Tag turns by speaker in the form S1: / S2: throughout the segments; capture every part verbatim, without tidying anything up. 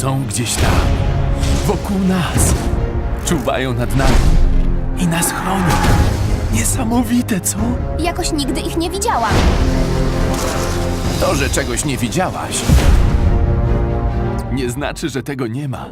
S1: Są gdzieś tam, wokół nas. Czuwają nad nami i nas chronią. Niesamowite, co?
S2: Jakoś nigdy ich nie widziałam.
S1: To, że czegoś nie widziałaś, nie znaczy, że tego nie ma.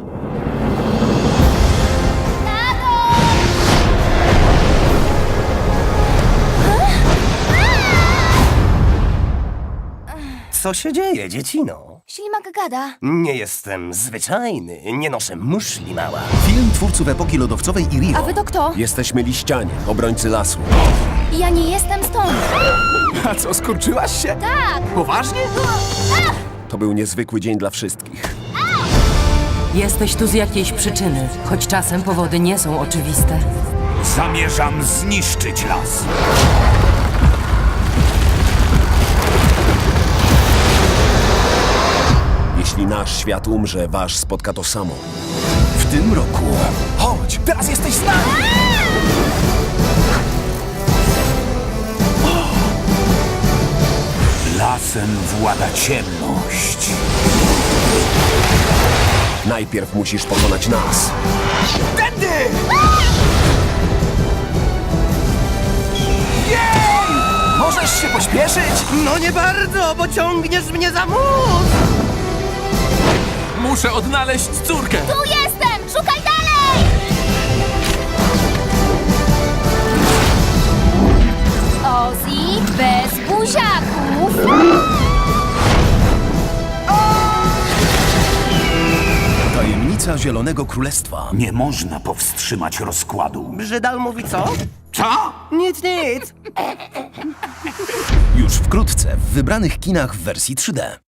S3: Co się dzieje, dziecino?
S2: Ślimak gada.
S3: Nie jestem zwyczajny, nie noszę muszli, mała.
S4: Film twórców epoki lodowcowej i Rio.
S2: A wy to kto?
S5: Jesteśmy liścianie, obrońcy lasu.
S2: Ja nie jestem stąd.
S1: A co, skurczyłaś się?
S2: Tak!
S1: Poważnie?
S5: To był niezwykły dzień dla wszystkich.
S6: Jesteś tu z jakiejś przyczyny, choć czasem powody nie są oczywiste.
S7: Zamierzam zniszczyć las.
S5: Jeśli nasz świat umrze, wasz spotka to samo.
S4: W tym roku
S1: Chodź, teraz jesteś z nami!
S7: Lasem włada ciemność.
S5: Najpierw musisz pokonać nas.
S1: Tędy! Możesz się pośpieszyć?
S3: No nie bardzo, bo ciągniesz mnie za mur!
S1: Muszę odnaleźć córkę!
S2: Tu jestem! Szukaj dalej! Ozzy bez buziaków.
S4: tajemnica Zielonego Królestwa.
S7: Nie można powstrzymać rozkładu.
S3: Brzydal mówi co?
S7: Co?
S3: Nic, nic!
S4: Już wkrótce w wybranych kinach w wersji trzy D.